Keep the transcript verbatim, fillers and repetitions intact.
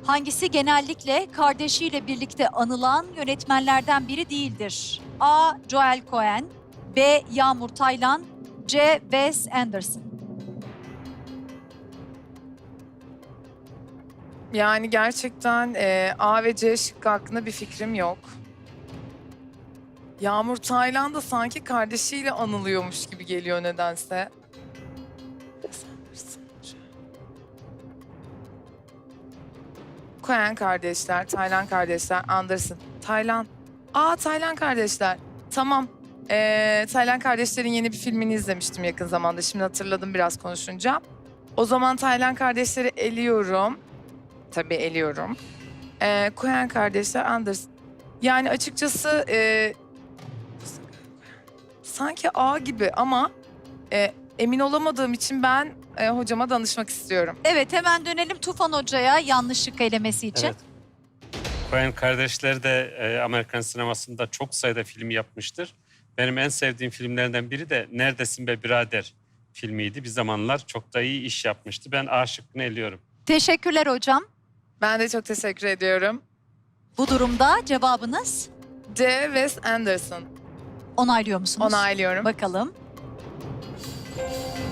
Hangisi genellikle kardeşiyle birlikte anılan yönetmenlerden biri değildir? A. Joel Cohen, B. Yağmur Taylan, C. Wes Anderson. Yani gerçekten e, A ve C şıkkı hakkında bir fikrim yok. Yağmur Taylan da sanki kardeşiyle anılıyormuş gibi geliyor nedense. Coen kardeşler, Taylan kardeşler, Anderson. Taylan. Aa Taylan kardeşler. Tamam. Ee, Taylan kardeşlerin yeni bir filmini izlemiştim yakın zamanda. Şimdi hatırladım biraz konuşunca. O zaman Taylan kardeşleri eliyorum. Tabii eliyorum. Ee, Coen kardeşler, Anderson. Yani açıkçası e, sanki A gibi ama e, emin olamadığım için ben e, hocama danışmak istiyorum. Evet, hemen dönelim Tufan Hoca'ya yanlışlık elemesi için. Evet. Coen kardeşler de e, Amerikan sinemasında çok sayıda film yapmıştır. Benim en sevdiğim filmlerden biri de Neredesin Be Birader filmiydi. Bir zamanlar çok da iyi iş yapmıştı. Ben A şıkkını eliyorum. Teşekkürler hocam. Ben de çok teşekkür ediyorum. Bu durumda cevabınız C. Wes Anderson. onaylıyor musunuz? Onaylıyorum. Bakalım.